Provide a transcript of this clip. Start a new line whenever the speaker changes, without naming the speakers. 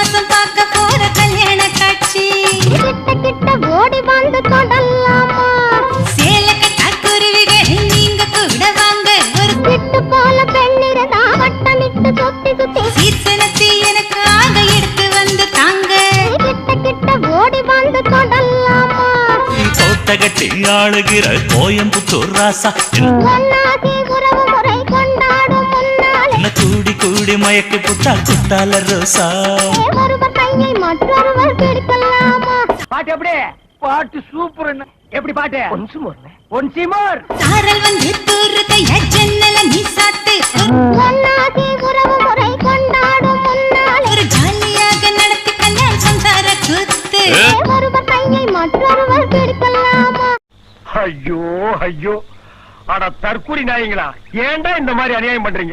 மாசம் பார்க்க போற கல்யாண காட்சி
கிட்ட கிட்ட ஓடி வந்து தொடலாமா
சேல கட்டா குருவிகள் நீங்க கூட வாங்க ஒரு
கிட்டு போல பெண்ணிருந்தா வட்டமிட்டு சுத்தி சுத்தி
சீசனத்தை எனக்கு ஆக எடுத்து வந்து தாங்க
கிட்ட கிட்ட ஓடி வந்து தொடலாமா
கோட்டகட்டி ஆளுகிற கோயம்புத்தூர் ராசா
ஒன்னாகி உறவு முறை கொண்டாடும் முன்னாலே
என்ன கூடி கூடி மயக்கி புட்டா குட்டால ரோசா
ஒருவர் கையை மற்றொருவர் பிடிக்கலாமா
பாட்டு எப்படி பாட்டு சூப்பர் எப்படி பாட்டு ஒன்சி மோர்
சாரல் வந்து தூரு கைய ஜன்னல நீ சாத்து
ஒன்னாகி உறவு முறை கொண்டாடும் முன்னாலே
ஒரு ஜாலியாக நடத்தி கல்யாணம் சம்சார கூத்து
ஒருவர் கையை மற்றொருவர் பிடிக்கலாமா
ஐயோ ஐயோ அட தற்கூரி நாயங்களா ஏன்டா இந்த மாதிரி அநியாயம் பண்றீங்க